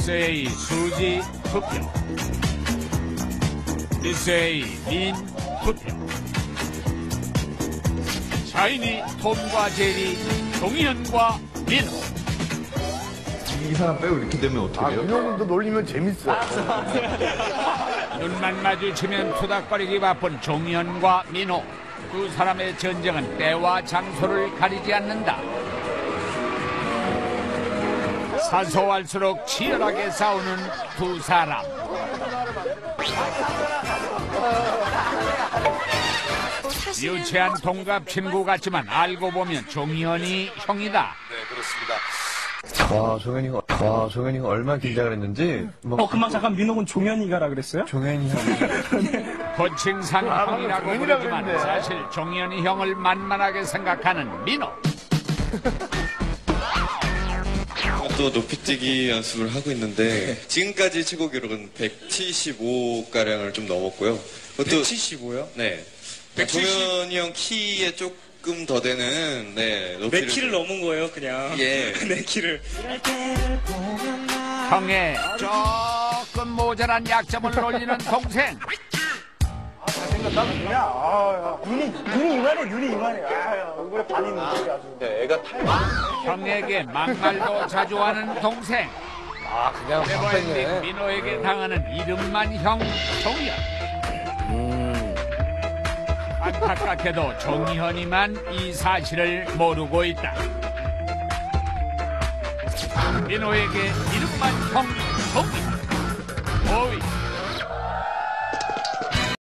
미스 A 수지 투표, 미스 A 민 투표, 샤이니 톰과 제리 종현과 민호. 이 사람 빼고 이렇게 되면 어떻게 돼요? 민호군도 놀리면 재밌어. 눈만 마주치면 투닥거리기 바쁜 종현과 민호. 두 사람의 전쟁은 때와 장소를 가리지 않는다. 사소할수록 치열하게 싸우는 두 사람. 유치한 동갑 친구 같지만 알고 보면 종현이 형이다. 네, 그렇습니다. 와, 종현이가 얼마나 긴장을 했는지. 금방 잠깐 민호군 종현이가라 그랬어요? 종현이 형. 호칭상 형이라고 종현이라 부르지만 그랬네. 사실 종현이 형을 만만하게 생각하는 민호. 또 높이뛰기 연습을 하고 있는데 지금까지 최고 기록은 175가량을 좀 넘었고요. 175요? 네. 170? 종현이 형 키에 조금 더 되는 높이를 내 키를 넘은 거예요, 그냥. 예. 내 키를. 형의 조금 모자란 약점을 놀리는 동생. 눈이 이만해. 얼굴에 반이 있는데 아주. 애가 타요. 형에게 막말도 자주 하는 동생. 그냥 네버엔딩 민호에게 당하는 이름만 형 종현. 안타깝게도 종현이만 이 사실을 모르고 있다. 민호에게 이름만 형 종현. 5위